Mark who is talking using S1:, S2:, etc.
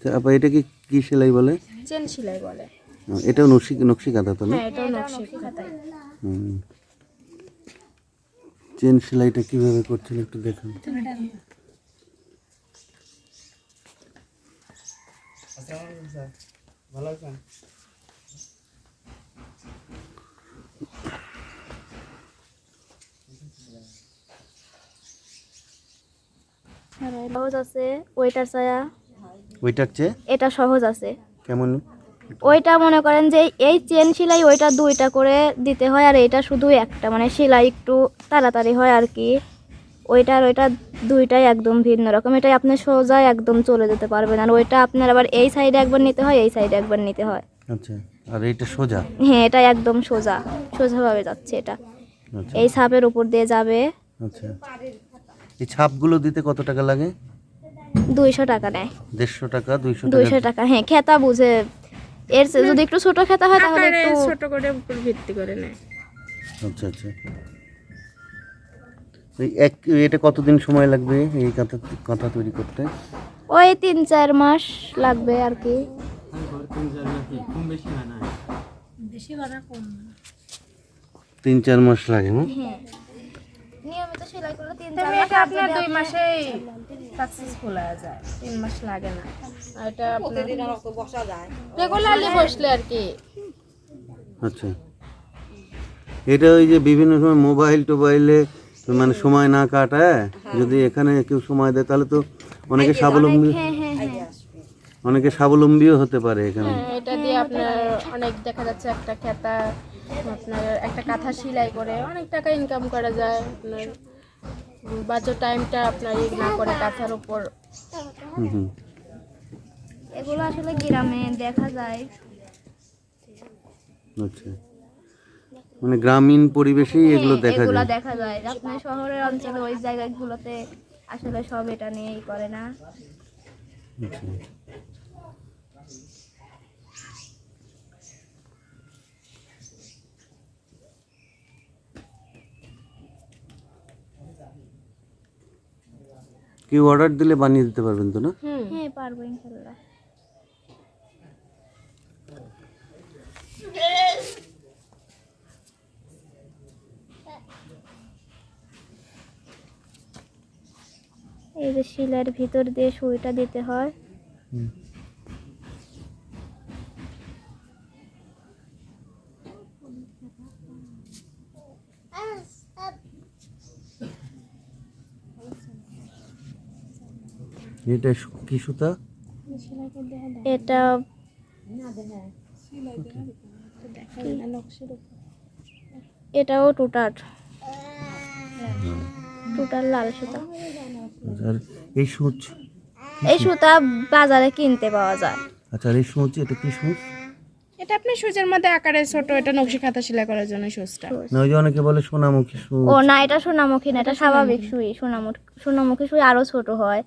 S1: আপা এটা কি সেলাই বলে?
S2: চেন সেলাই বলে।
S1: এটাও নকশি কাঁথা তো না?
S2: হ্যাঁ, এটাও নকশি কাঁথাই।
S1: চেন সেলাইটা কিভাবে করছেন একটু দেখুন।
S3: ভালো আছেন?
S4: সহজ আছে ওইটার ছায়া,
S1: ওইটার চেয়ে
S4: এটা সহজ আছে।
S1: কেমন?
S4: ওইটা মনে করেন যে এই চেন সেলাই ওইটা দুইটা করে দিতে হয়, আর এটা শুধু একটা, মানে সেলাই একটু তাড়াতাড়ি হয় আর কি। ওইটা আর ওইটা দুইটাই একদম ভিন্ন রকম। এটাই আপনি সোজা একদম চলে যেতে পারবেন, আর ওইটা আপনার আবার এই সাইডে একবার নিতে হয়, এই সাইডে একবার নিতে হয়।
S1: আচ্ছা, আর এইটা সোজা?
S4: হ্যাঁ, এটা একদম সোজাভাবে যাচ্ছে এটা।
S1: আচ্ছা
S4: এই ছাপের উপর দিয়ে যাবে।
S1: আচ্ছা, এই ছাপগুলো দিতে কত টাকা লাগে?
S4: 200 টাকা নেয়।
S1: 150 টাকা, 200
S4: 200 টাকা, হ্যাঁ, খেতা বুঝে। এর চেয়ে যদি একটু ছোট খেতা হয় তাহলে
S2: আকারে
S4: একটু
S2: ছোট করে উপর ভিত্তি করে নেয়।
S1: আচ্ছা আচ্ছা, এটা কতদিন সময় লাগবে এই কাঁথা তৈরি করতে?
S4: ওই 3-4 মাস লাগবে আর কি।
S1: 3-4 মাস লাগে না?
S4: হ্যাঁ, নিয়মিত সেলাই করলে 3-4
S2: তবে
S4: মাস।
S2: এটা আপনার 2 মাসেই সাকসেসফুল হয়ে যায়, 3 মাস লাগে না। আর এটা প্রতিদিন বসা যায়, রেগুলারলি বসলে আর কি।
S1: আচ্ছা, এটা ওই যে বিভিন্ন সময় মোবাইলে মানে সময় না কাটায় যদি এখানে কেউ সময় দেয় তাহলে তো অনেকে স্বাবলম্বীও হতে পারে এখানে।
S2: হ্যাঁ, এটা দিয়ে আপনার অনেক দেখা যাচ্ছে একটা খেতা, আপনার একটা কাঁথা সেলাই করে অনেক টাকা ইনকাম করা যায়। আপনার বাজে টাইমটা আপনার না করে কাঁথার উপর।
S1: হুম,
S4: এগুলো আসলে গ্রামে দেখা যায়।
S1: আচ্ছা, মানে গ্রামীণ পরিবেশেই এগুলো দেখা
S4: এগুলা
S1: যায়।
S4: দেখা যায়। আপনার শহরের অঞ্চলে ওই জায়গাগুলোতে আসলে সব এটা নিয়েই করে না।
S1: আচ্ছা, কেউ অর্ডার দিলে বানিয়ে দিতে পারবেন তো না?
S4: হ্যাঁ, পারবো ইনশাল্লাহ। এই যে শিলার ভিতর দিয়ে সুইটা দিতে হয়।
S1: এটা কি সুতা?
S4: এটা এটাও টুটার লাল সুতা।
S1: আর এই সূচ?
S4: এই সুতা বাজারে কিনতে পাওয়া যায়।
S1: আচ্ছা, আর এই সূচ এটা কি সূচ?
S2: এটা আপনি সুজের মধ্যে আকারে ছোট, এটা নকশি কাঁথা সেলাই করার জন্য সুজটা।
S1: না, ওই যে অনেকে বলে সোনামুখী সূচ।
S4: ও না, এটা সোনামুখী না, এটা স্বাভাবিক সুই। সোনামুখী সুই আরো ছোট হয়।